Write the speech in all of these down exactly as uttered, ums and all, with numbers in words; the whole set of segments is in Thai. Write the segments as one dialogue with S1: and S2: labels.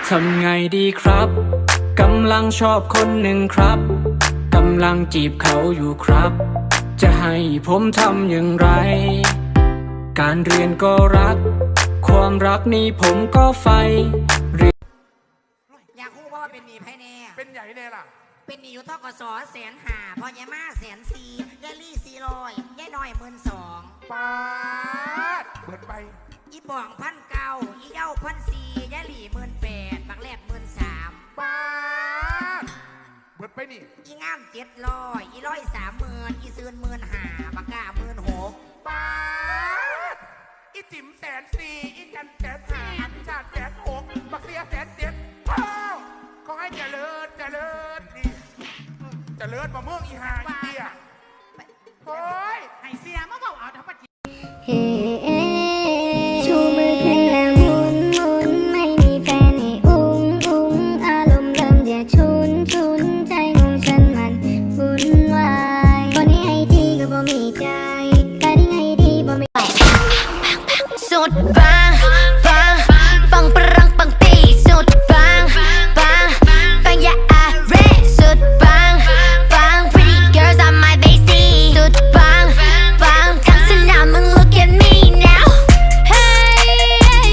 S1: ทำไงดีครับกำลังชอบคนหนึ่งครับกำลังจีบเขาอยู่ครับจะให้ผมทำอย่างไรการเรียนก็รักความรักนี้ผมก็ใฝ่เรียน
S2: อยากรู้ว่าเป็นหนี้ไพ่แน่
S3: เป็นใหญ่แน่ล่ะ
S2: เป็นหนี้อยู่ทกสแสนหาพอยายมาแสนสี่ยายลี่สี่ร้อยยายน้อยหมื่นสอง
S3: ปาดเบิดไป
S2: อีบ่องพันเก้าอีเย้าพันสี่ยายลี่หมื่นแปดบักแลบหมื่นสาม
S3: ปาดเบิดไปนี่
S2: อีงามเจ็ดร้อยอีร้อยสามหมื่นอีซืนหมื่นห้าบักกาหมื่นหก
S3: ปาดอีจิ๋มแสนสี่อีกันแสนห้าอีชาติแสนหกบักเสียแสนเจ็ดพ่อขอให้เจริญเจริญนี่เจริญมาเมืองอีหาอีเดียโอ้ยให้เสียมาเบาเอาทั้งปะจี
S4: เฮ้ชูมือขึ้นแล้วหมุนหมุนไม่มีแฟนให้อุ้งอุ้งอารมณ์เริ่มจะชุนชุนใจของฉันมันวุ่นวายคนนี้ให้ดีก็บ่มีใจแต่ที่ให้ดีบ่มี
S5: สุดปังปังปังปรังปังปีสุดปังปังปังยาอาเรสุดปังปัง pretty girls on my basie สุดปังปังทั้งสนามมึง look at me now hey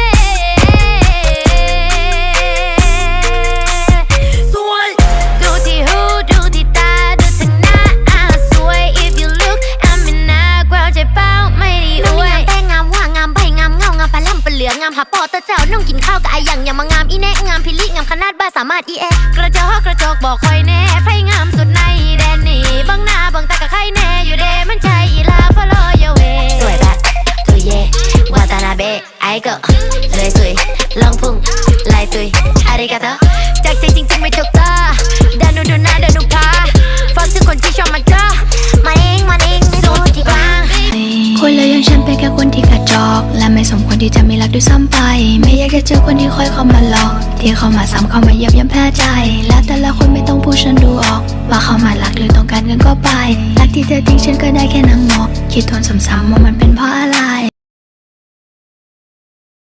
S5: สวยดูที่หูดูที่ตาดูทั้งหน้าสวย if you look I'm in a crowd ใจเป้าไม่ได้อวยแต่งามว่างามใบงามเงางามปลาล่ำปลาเหลืองามหาปอตะเจ้าน้องกินข้าวกับไออย่างอย่างมางามอีแน่งามพิลิงามขนาดบ้าสามารถอีแอกระจอกกระจกบอกคอยแน่ไฟงามสุดในแดนนี่บังหน้าบังตากับใครแน่อยู่เดมันใจอีลา follow your way สวยแบบตุยเย่วาตานาเบะไอเกิลเลยสุยลองพุ่งลายตุยอาริกาโตจากใจจริงๆไม่ถูกตาดานูดูหน้าดานูพาฟังถึงคนที่ชอบมาเจอมาเองมาเองสุดที่กลาง
S6: คนเลยอย่างฉันเป็นแค่คนที่กระจอกและไม่สมควรที่จะมีรักด้วยซ้ำไปไม่อยากจะเจอคนที่คอยเข้ามาหลอกที่เข้ามาซ้ำเข้ามาเยียบย่ำแพ้ใจแล้วแต่ละคนไม่ต้องพูดฉันดูออกว่าเขามารักหรือต้องการเงินก็ไปรักที่เธอทิ้งฉันก็ได้แค่นั่งมองคิดทวนซ้ำๆว่ามันเป็นเพราะอะไร